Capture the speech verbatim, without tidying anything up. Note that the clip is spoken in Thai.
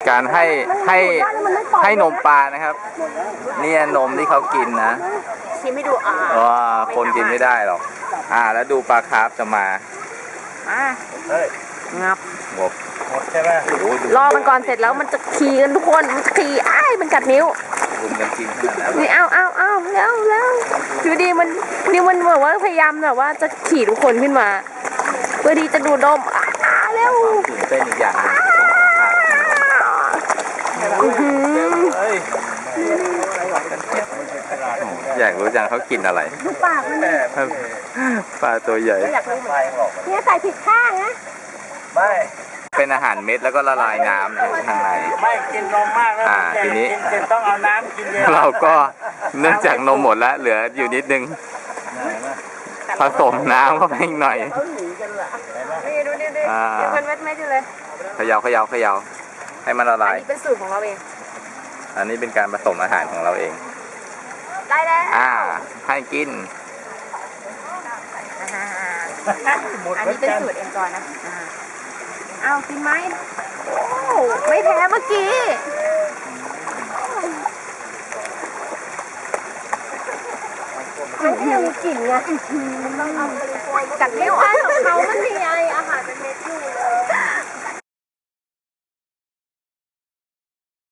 การให้ให้ให้นมปลานะครับเนี่ยนมที่เขากินนะชิมให้ดูอ่าว้าคนกินไม่ได้หรอกอ่าแล้วดูปลาคาร์ฟจะมาอ่างับหมดหมดใช่ไหมรอมันก่อนเสร็จแล้วมันจะขี่กันทุกคนมันขี่ไอ้มันกัดนิ้วรุมกันกินขนาดนั้นนี่เอาเอาเอาแล้วแล้วอยู่ดีมันนี่มันแบบว่าพยายามแบบว่าจะขี่ทุกคนขึ้นมาเพื่อที่จะดูดมอ่าเร็วตื่นเต้นอีกอย่างนึงอยากรู้จังเขากินอะไรดูปากมันปลาตัวใหญ่เนี่ยใส่ผิดข้างนะไม่เป็นอาหารเม็ดแล้วก็ละลายน้ำข้างในไม่กินนมมากแล้วอ่าทีนี้ต้องเอาน้ำกินเยอะเราก็เนื่องจากนมหมดแล้วเหลืออยู่นิดนึงผสมน้ำเข้าไปอีกหน่อยนี่ดูนี่ดิยังเป็นเม็ดเม็ดอยู่เลยเขย่าเขย่าเขย่าให้มันละลายอันนี้เป็นสูตรของเราเองอันนี้เป็นการผสมอาหารของเราเองได้แล้วอ่าให้กินอันนี้เป็นสูตรเองก่อนนะเอากินไหมโอ้ไม่แพ้เมื่อกี้มันก็ยังมีกลิ่นไงกัดนิ้วไอ้ของเขามันมีไออาหารเป็นเม็ดอยู่เลย